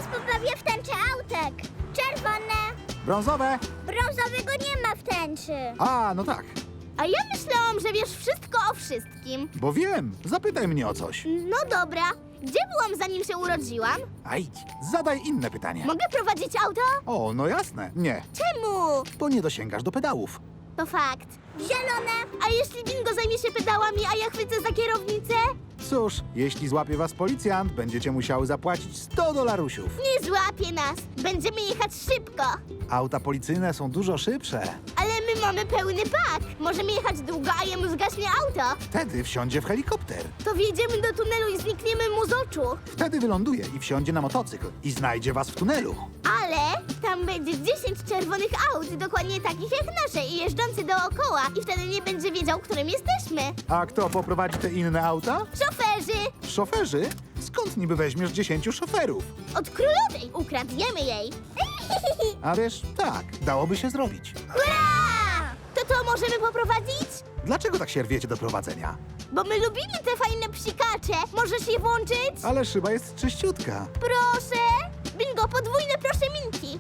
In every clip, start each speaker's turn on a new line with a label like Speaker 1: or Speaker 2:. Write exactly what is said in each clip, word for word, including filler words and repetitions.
Speaker 1: Zaraz poprawię w tęczy autek. Czerwone.
Speaker 2: Brązowe.
Speaker 1: Brązowego nie ma w tęczy.
Speaker 2: A, no tak.
Speaker 3: A ja myślałam, że wiesz wszystko o wszystkim.
Speaker 2: Bo wiem. Zapytaj mnie o coś.
Speaker 3: No dobra. Gdzie byłam, zanim się urodziłam?
Speaker 2: A idź, zadaj inne pytanie.
Speaker 3: Mogę prowadzić auto?
Speaker 2: O, no jasne. Nie,
Speaker 3: Czemu?
Speaker 2: bo nie dosięgasz do pedałów.
Speaker 3: To fakt.
Speaker 1: Zielone.
Speaker 3: A jeśli bingo zajmie się pedałami, a ja chwycę za kierownicę?
Speaker 2: Cóż, jeśli złapie was policjant, będziecie musiały zapłacić sto dolarusiów.
Speaker 3: Nie złapie nas. Będziemy jechać szybko.
Speaker 2: Auta policyjne są dużo szybsze.
Speaker 3: Ale my mamy pełny pak. Możemy jechać długo, a jemu zgaśnie auto.
Speaker 2: Wtedy wsiądzie w helikopter.
Speaker 3: To wjedziemy do tunelu i znikniemy mu z oczu.
Speaker 2: Wtedy wyląduje i wsiądzie na motocykl i znajdzie was w tunelu.
Speaker 3: Ale tam będzie dziesięć czerwonych aut, dokładnie takich jak nasze i jeżdżące dookoła. I wtedy nie będzie wiedział, którym jesteśmy.
Speaker 2: A kto poprowadzi te inne auta?
Speaker 3: Szoferzy!
Speaker 2: Szoferzy? Skąd niby weźmiesz dziesięciu szoferów?
Speaker 3: Od królowej ukradniemy jej.
Speaker 2: A wiesz, tak, dałoby się zrobić.
Speaker 3: Hurra! To to możemy poprowadzić?
Speaker 2: Dlaczego tak się rwiecie do prowadzenia?
Speaker 3: Bo my lubimy te fajne psikacze. Możesz je włączyć?
Speaker 2: Ale szyba jest czyściutka.
Speaker 3: Proszę! Bingo, podwójne proszę minki.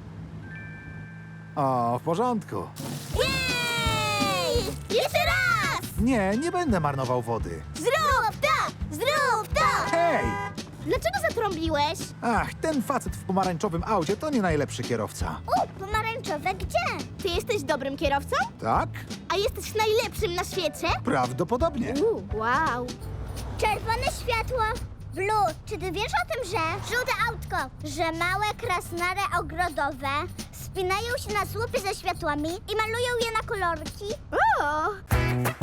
Speaker 2: O, w porządku.
Speaker 3: Jej! Jeszcze raz!
Speaker 2: Nie, nie będę marnował wody.
Speaker 3: Zrób to! Zrób to!
Speaker 2: Hej!
Speaker 3: Dlaczego zatrąbiłeś?
Speaker 2: Ach, ten facet w pomarańczowym aucie to nie najlepszy kierowca.
Speaker 1: U, pomarańczowe gdzie?
Speaker 3: Ty jesteś dobrym kierowcą?
Speaker 2: Tak?
Speaker 3: A jesteś najlepszym na świecie?
Speaker 2: Prawdopodobnie.
Speaker 3: U, wow.
Speaker 1: Czerwone światło. Blue, czy ty wiesz o tym, że żółte autko, że małe krasnale ogrodowe spinają się na słupy ze światłami i malują je na kolorki?
Speaker 3: O!